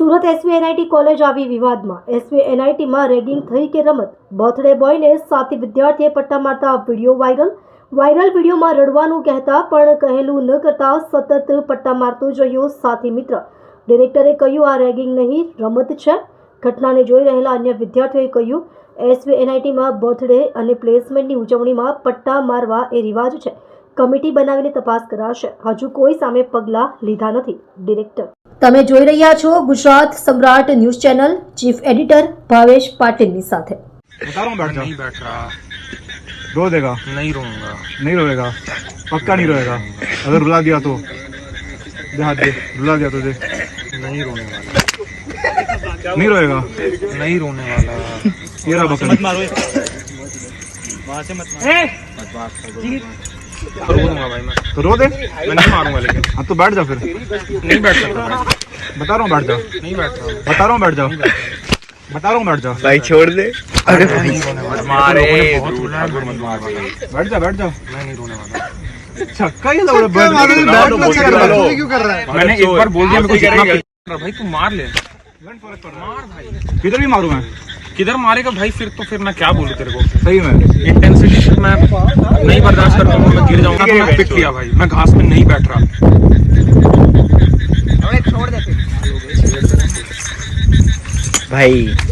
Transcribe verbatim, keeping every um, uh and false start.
Surat SV NIT college આવી વિવાદમાં। SV એનઆઈટીમાં ragging થઈ કે રમત? બર્થડે બોયને સાથી વિદ્યાર્થીએ પટ્ટા મારતા વિડીયો વાયરલ। વાયરલ વિડીયોમાં રડવાનું કહેતા પણ કહેલું ન કરતા સતત પટ્ટા મારતો જોયો સાથી મિત્ર। ડિરેક્ટરે કહ્યું, આ રેગિંગ નહીં, રમત છે। ઘટનાને જોઈ રહેલા અન્ય વિદ્યાર્થીઓએ કહ્યું, એસવી એનઆઈટીમાં બર્થડે અને પ્લેસમેન્ટની ઉજવણીમાં પટ્ટા મારવા એ રિવાજ છે। કમિટી બનાવીને તપાસ કરાશે। હજુ કોઈ સામે પગલાં લીધા નથી। ડિરેક્ટર તમે જોઈ રહ્યા છો Gujarat Samrat news channel. Chief editor Bhavesh પાટીલની સાથે। बता रहा हूँ बैठ जा। नहीं बैठ रहा। रो देगा? नहीं रोऊंगा। नहीं रोएगा? पक्का नहीं रोएगा? अगर रुला दिया तो दे हाथ दे। रुला दिया तो दे। नहीं रोने वाला। नहीं रोएगा? नहीं रोने वाला। ये रहा बकरी। मत मारो। वहाँ से मत मारो। मत मारो। रो दूंगा भाई मैं। तो रो दे। मैं नहीं मारूंगा लेकिन। हाँ तो बैठ जा फिर। नहीं बैठ सकता भाई। बता रहा हूँ बैठ जा। नहीं बैठ रहा। बता रहा हूँ बैठ जा। बता रहा हूँ बैठ जा। भाई छोड़ दे। अरे नहीं रोने वाला। मारे बहुत रोना है, मत मार भाई। बैठ जा बैठ जा। मैं नहीं रोने वाला। छक्का ही लग रहा है। क्यों कर रहा है? मैंने एक बार बोल दिया मेरे को जितना पिट- भाई तू मार ले। मार भाई। किधर भी मारू मैं? किधर मारेगा भाई? फिर तो फिर मैं क्या बोलूं तेरे को। सही में इंटेंसिटी से मैं नहीं बर्दाश्त करता हूँ। मैं गिर जाऊंगा तो मैं पिट लिया भाई। मैं घास में नहीं बैठ रहा। भाई